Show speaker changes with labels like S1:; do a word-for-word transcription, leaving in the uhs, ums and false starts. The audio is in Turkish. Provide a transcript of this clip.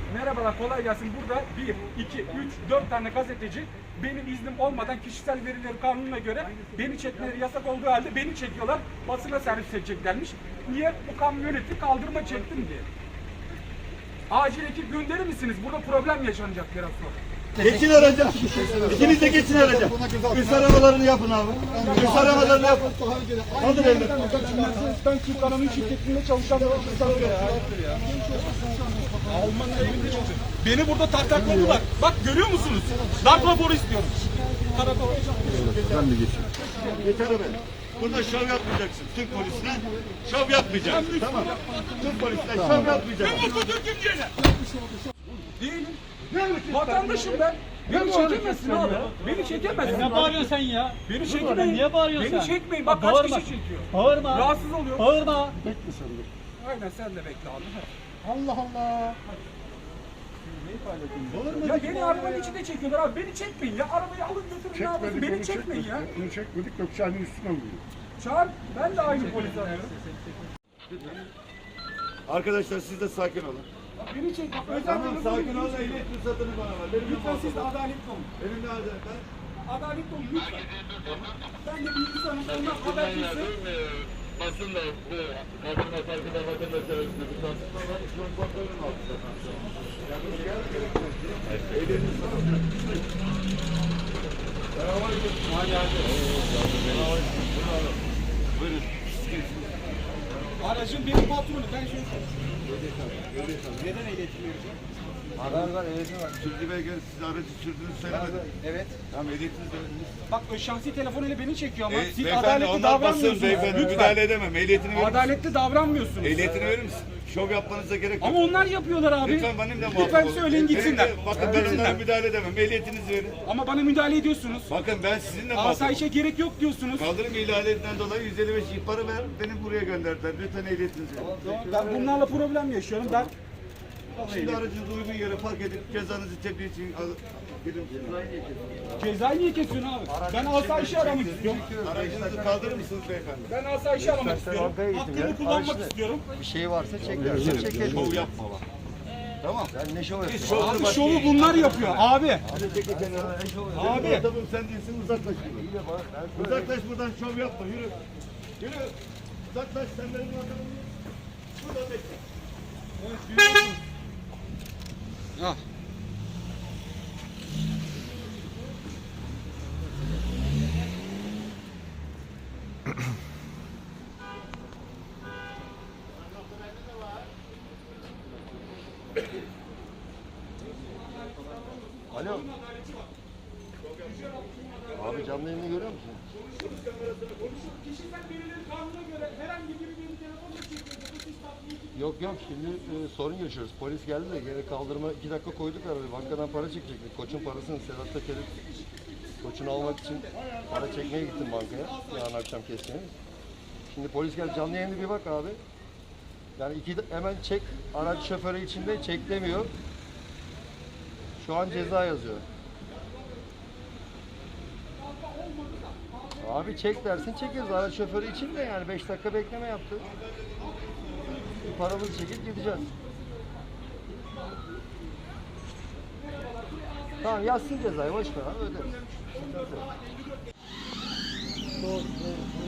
S1: Merhabalar, kolay gelsin. Burada bir, iki, üç, dört tane gazeteci benim iznim olmadan kişisel verileri kanununa göre beni çekmeleri yasak olduğu halde beni çekiyorlar. Basına servis edeceklermiş. Niye? Bu kamyoneti kaldırıma çektim diye. Acil ekip gönderir misiniz? Burada problem yaşanacak biraz sonra.
S2: Geçin araca. İkiniz de geçin araca. Üst aramalarını yapın abi. Üst aramalarını yapın. Hadi beyler.
S1: Ben Türk Anonim şirketinde çalışan bir insanım ya. Alman'ın evinde çalışıyorum. Beni burada tartakladılar. Bak görüyor musunuz? Darp raporu istiyorum. Karakola.
S2: Ben de geçeyim. Yeter arabaya. Burada şov yapmayacaksın. Türk polisine şov yapmayacaksın. Tamam. Türk polisine şov yapmayacaksın.
S1: Ben mutlu Türk'üm diyene. Değilim. Vatandaşım ben. Beni çekemezsin abi. Beni çekemezsin.
S3: Ne bağırıyorsun sen ya?
S1: Beni çekmeyin.
S3: Niye bağırıyorsun
S1: Beni
S3: sen?
S1: çekmeyin. Bak kaç
S3: Bağırma.
S1: kişi çekiyor.
S3: Bağırma.
S1: Rahatsız oluyor.
S3: Bağırma.
S2: Bekle sen de.
S1: Aynen sen de bekle abi.
S2: Allah Allah.
S1: Ya beni arabanın içinde çekiyorlar abi. Beni çekmeyin ya. Arabayı alın götürün. Ne yapıyorsun? Beni çekmeyin ya.
S2: Bunu çekmedik Gökçen'in üstüne vuruyor.
S1: Çağır. Ben de aynı polisi arıyorum.
S2: Arkadaşlar siz de sakin olun.
S1: Beni çek.
S2: Tamam sakin olun. Ehliyet ruhsatını bana ver. Benim
S1: Lütfen siz de adaletli olun.
S2: Elimde adalet.
S1: Adaletli olun lütfen. Ben de bir insanım. Ondan haberciyse.
S4: Basınla bu kadınla farkında vatandaş arasında bir tartışma var. Şu an kontrolün altında. Yalnız gel gerekmez. Ehliyetini sana. Buyurun.
S1: Aracın benim patronu. Ben şöyle neden ehliyetim vereceğim?
S2: Haber var, ehliyetim var. Sürücü belgeniz siz aracı sürdüğünüzü söylemedi.
S1: Evet.
S2: Tamam ehliyetiniz de verdiniz.
S1: Bak o şahsi telefonuyla beni çekiyor ama
S2: E,
S1: siz
S2: beyefendi
S1: adaletli
S2: onlar basın
S1: davranmıyorsunuz.
S2: beyefendi müdahale edemem. Ehliyetini verir misin?
S1: Adaletli davranmıyorsunuz.
S2: Ehliyetini verir misin? Şov yapmanıza gerek yok.
S1: Ama onlar yapıyorlar abi.
S2: Lütfen benimle muhatap
S1: Lütfen
S2: olun.
S1: söyleyin gitsinler.
S2: Benim de- Bakın ben onlara müdahale edemem. Ehliyetinizi verin.
S1: Ama bana müdahale ediyorsunuz.
S2: Bakın ben sizinle muhatap
S1: Asayişe gerek yok diyorsunuz.
S2: Kaldırım ihlalinden dolayı yüz elli beş ihbarı ver. Beni buraya gönderdiler. Lütfen ehliyetinizi verin.
S1: Ben bunlarla problem yaşıyorum. Ben
S2: Şimdi aracınızı uygun yere park edip cezanızı tebliğ için al. Gidin.
S1: cezayı niye kesiyorsun abi? Ben asayişi aramak istiyorum.
S2: Aracınızı kaldırır mısınız beyefendi?
S1: Ben asayişi aramak istiyorum. Hakkımı kullanmak istiyorum.
S5: Bir şey varsa çekersin, çekelim.
S2: Şov yapma bak. Tamam.
S5: Sen ne şov yapıyorsun?
S2: Şov
S1: Abi şovu bunlar yapıyor abi.
S2: Hadi çekil kenara.
S1: Abi.
S2: Muhatabım sen değilsin uzaklaş buradan. Uzaklaş buradan şov yapma yürü. Yürü. Uzaklaş sen benim muhatabım. Burada bekle.
S1: Ah.
S5: Alo. Abi canlı yayını görüyor musun?
S1: Kişisel verileri kanuna göre herhangi biri benim telefonla çekiyorsa bu siz tatbiyi
S5: Yok yok şimdi e, sorun yaşıyoruz. Polis geldi de geri kaldırma iki dakika koyduk arabayı. Bankadan para çekecektik. Koçun parasını Sedat'ta kelip koçunu almak için para çekmeye gittim bankaya. Yarın akşam kesmeye. Şimdi polis geldi canlı yayını bir bak abi. Yani iki de, hemen çek araç şoförü içinde çek demiyor. Şu an ceza yazıyor. Abi çek dersin çekeriz. Araç şoförü için de yani beş dakika bekleme yaptı. Paramızı çekip gideceğiz. Tamam yazsın cezayı boş ver abi öderiz.